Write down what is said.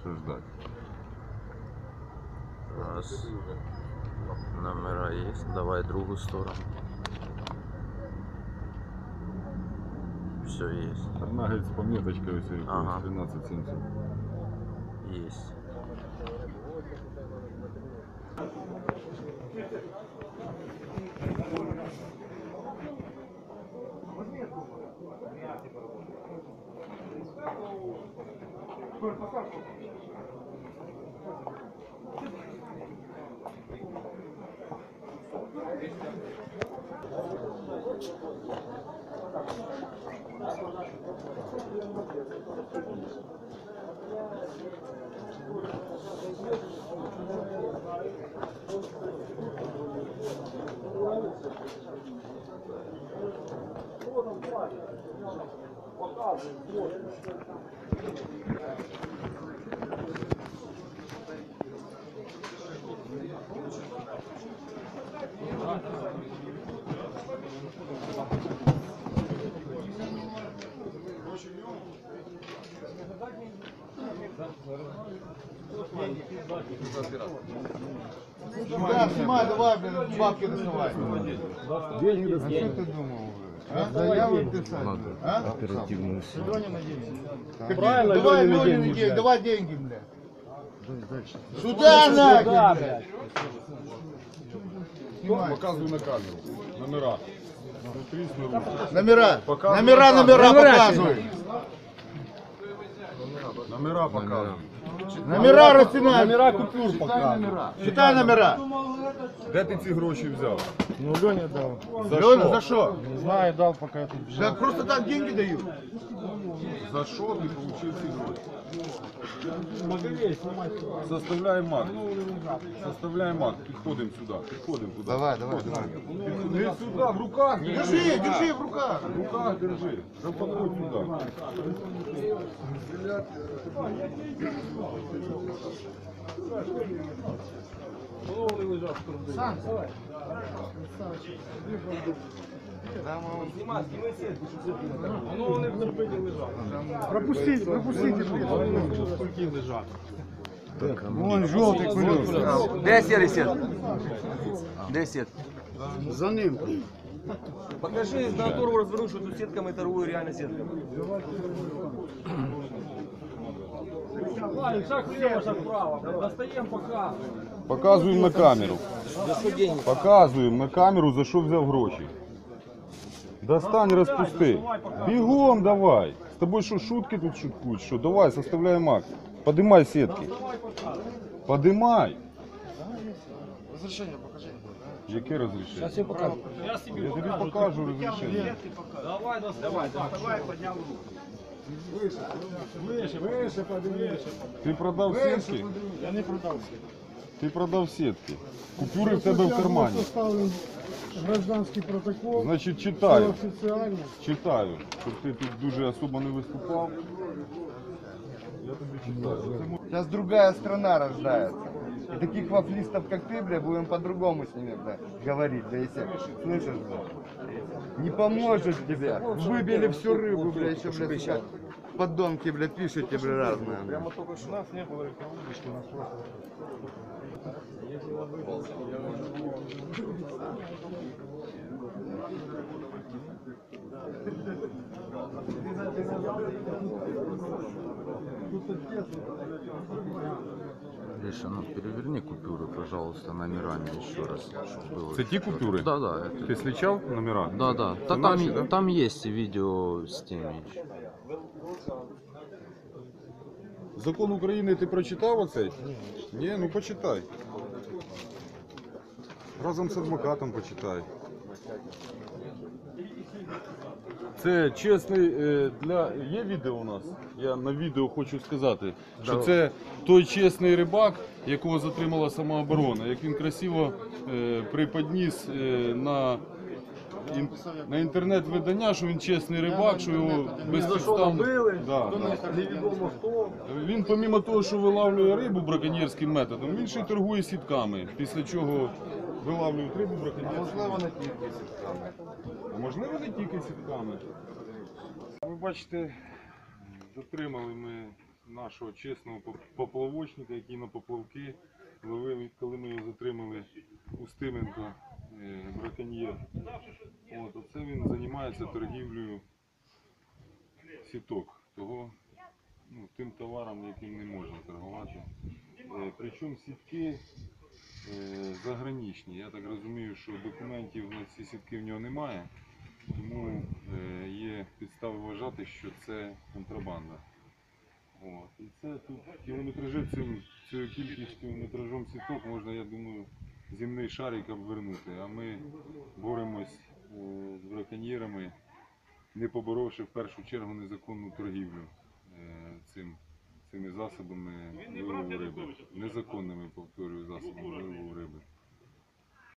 ждать. Раз. Номера есть. Давай другую сторону. Все есть. Одна, говорит, с пометочкой, если Ага. 1370. Есть. Да, снимай, давай, блин, бабки доставай. Деньги А что ты думал? А? Заявы писать? А? оперативную силу. Правильно, давай Ленины деньги, давай деньги, бля. Сюда нахер, блядь. Снимай. Показывай на камеру. Номера. Смотри снаружи. Номера, Показывай номера, на номера камеру. показывай. Номера показывай. Номера расснимай. Номера купюр показывают. Считай номера. Де ти ці гроші взяв? Ну, Леня дал. Лёня, за что? Не знаю, дал, пока я тут бежал. Да просто так деньги дают. За що ти отримав ці гроші? Могилей снимать. Составляємо акт. Составляємо акт. Підходимо сюди. Підходимо туди. Давай, давай, давай. Підходи сюди, в руках. Держи, держи в руках. В руках держи. Да подходь сюди. Пропустите, пропустите. Сколько лежат? Вон желтый колес. Де серый сет? Де сет? За ним. Покажи на которого развернуть, что тут сетками торгую, реально сетками. Ладно, шаг влево, шаг вправо. Достаем, показываем. Показуємо на камеру. Показуємо на камеру, за що взяв гроші. Достань, розпусти. Бігом давай. З тобою що, шутки тут шуткують? Що? Давай, составляємо акт. Подимай сітки. Подимай. Разрешение покажи. Яке розрішення? Сейчас я покажу. Я себе Я тобі покажу розрішення. Давай, доставай. Доставай, поднял руку. Выше, поднимай. Ти продав сітки? Я не продался. Ти продав сітки. Купюри в тебе в кармані. Составлен гражданский протокол. Значить, читаю. Официально. Читаю, щоб ти тут дуже особо не виступав. Я тобі читаю. Сейчас другая страна рождается. И таких вафлистов, как ты, бля, будем по-другому с ними, бля, говорить, бля, если слышишь, бля. Не поможет тебе. Выбили всю рыбу, бля, еще, бля, сейчас. Подонки, бля, пишите, бля, разные. Бля. Прямо только что у нас не было удочки, у нас просто. Гриша, ну переверни купюры, пожалуйста, номерами еще раз. Чтобы было Це ті купюри? Да, да. Это... Ти слічав номера? Да, да. Це Там, наші, да? там есть видео с теми еще. Закон України ти прочитав оцей? Ні, ну почитай. Разом з адвокатом почитай. Це чесний для... Є відео у нас? Я на відео хочу сказати, що це той чесний рибак, якого затримала самооборона. Як він красиво приподніс на інтернет-видання, що він чесний рибак, що його безпідставно... Да. Невідомо хто. Він, помимо того, що вилавлює рибу браконьєрським методом, він ще й торгує сітками, після чого вилавлюють рибу браконьєрським методом. А можливо, не тільки сітками. Ви бачите, затримали ми нашого чесного поплавочника, який на поплавки ловив, коли ми його затримали Устименко, браконьєр. От, оце він займається торгівлею сіток, того, тим товаром, яким не можна торгувати. Причому сітки заграничні. Я так розумію, що документів на ці сітки в нього немає, тому є підстави вважати, що це контрабанда. От. І це тут кілометражі цією кількістю метражом сіток можна, я думаю, земний шарик обвернути. А ми боремось з браконьєрами, не поборовши в першу чергу незаконну торгівлю цими засобами вилову риби. Незаконними, повторюю, засобами вилову риби.